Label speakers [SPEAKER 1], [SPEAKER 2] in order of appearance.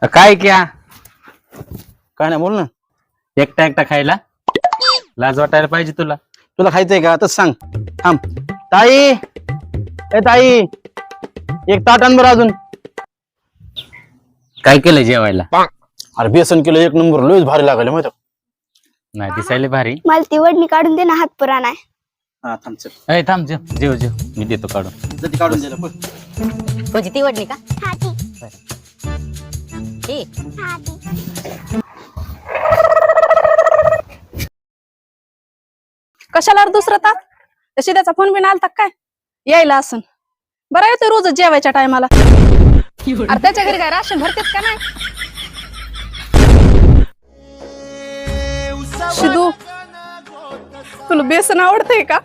[SPEAKER 1] काय क्या काय नाही बोल ना. एकटा एकटा खायला लाज वाटायला पाहिजे तुला.
[SPEAKER 2] तुला खायचंय का तस सांग. थांब ताई, ए ताई, एक ताट आण बरं अजून.
[SPEAKER 1] काय केलं जेवायला?
[SPEAKER 2] अरे बेसन किलो एक नंबर लयच भारी लागले माहिती.
[SPEAKER 1] नाही दिसायला भारी.
[SPEAKER 3] मला ती वडणी काढून दे ना, हात पुराण आहे.
[SPEAKER 2] हा थांब चल.
[SPEAKER 1] अय थांब जेव जेव जेव मी देतो काढून.
[SPEAKER 2] जरी काढून दिलं बघ.
[SPEAKER 4] कोणची ती वडणी का? ती
[SPEAKER 5] कशाला रे दुसरं तास तशी त्याचा फोन बिन आलता काय यायला असून बरं येतो रोजच जेवायच्या टायमाला. अरे त्याच्या घरी काय राशन भरतेत का नाही? शिदू तुला बेसन आवडतंय का?